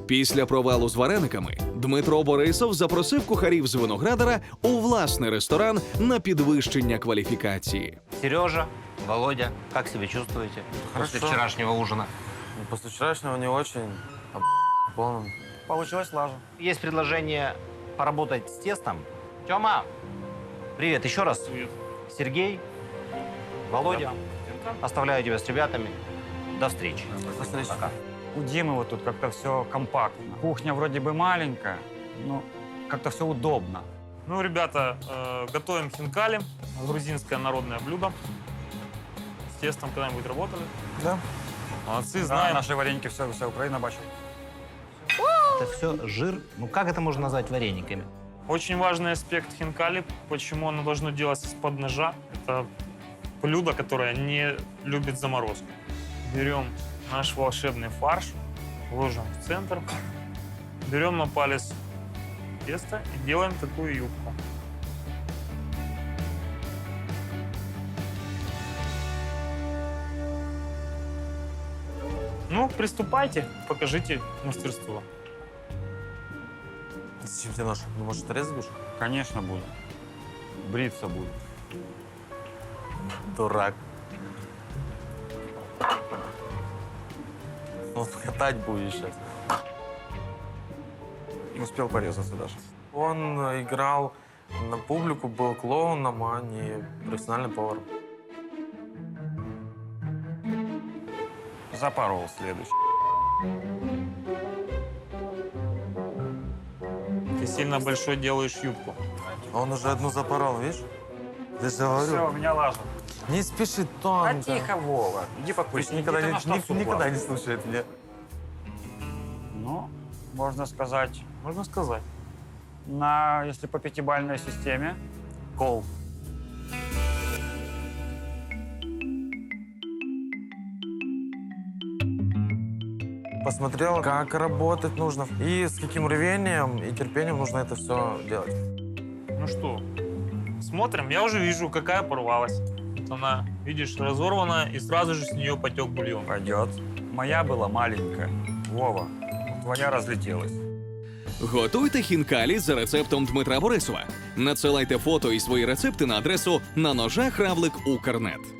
Після провалу з варениками Дмитро Борисов запросив кухарів з Виноградара у власний ресторан на підвищення кваліфікації. Сережа, Володя, как себя чувствуете после вчерашнего ужина? После вчерашнего не очень, полным. Получилось лажа. Есть предложение поработать с тестом. Тёма, привет еще раз. Привет. Сергей, Володя, оставляю тебя с ребятами. До встречи. До встречи. Пока. У Димы вот тут как-то все компактно. Кухня вроде бы маленькая, но как-то все удобно. Ну, ребята, готовим хинкали, грузинское народное блюдо. С тестом когда-нибудь работали? Да. Молодцы, Да, знаем. наши вареники, вся Украина бачит. Это все жир. Ну как это можно назвать варениками? Очень важный аспект хинкали, почему оно должно делаться из-под ножа. Это блюдо, которое не любит заморозку. Берем наш волшебный фарш, ложим в центр, берем на палец тесто и делаем такую юбку. Ну, приступайте, покажите мастерство. Зачем тебе нож? Ну, может, резать будешь? Конечно, буду. Бриться буду. Дурак. Ну, катать будешь сейчас. Не успел порезаться даже. Он играл на публику, был клоуном, а не профессиональным поваром. Запорол следующий. Ты сильно большой делаешь юбку. А он уже одну запорол, видишь? Я же говорю. Все, у меня лажа. Не спеши А тонко. тихо, Вова. Иди Пусть покурить. никогда, Иди, не, ты на что суп никогда лазишь? не слушает меня. Ну, можно сказать, Можно сказать. если по пятибалльной системе, кол. Посмотрел, как работать нужно и с каким рвением и терпением нужно это все делать. Ну что, смотрим. Я уже вижу, какая порвалась. Вот она, видишь, разорвана, и сразу же с нее потек бульон. Пойдет. Моя была маленькая. Вова, твоя разлетелась. Готуйте хінкалі за рецептом Дмитра Борисова. Надсилайте фото і свої рецепти на адресу на ножах равлик Укрнет.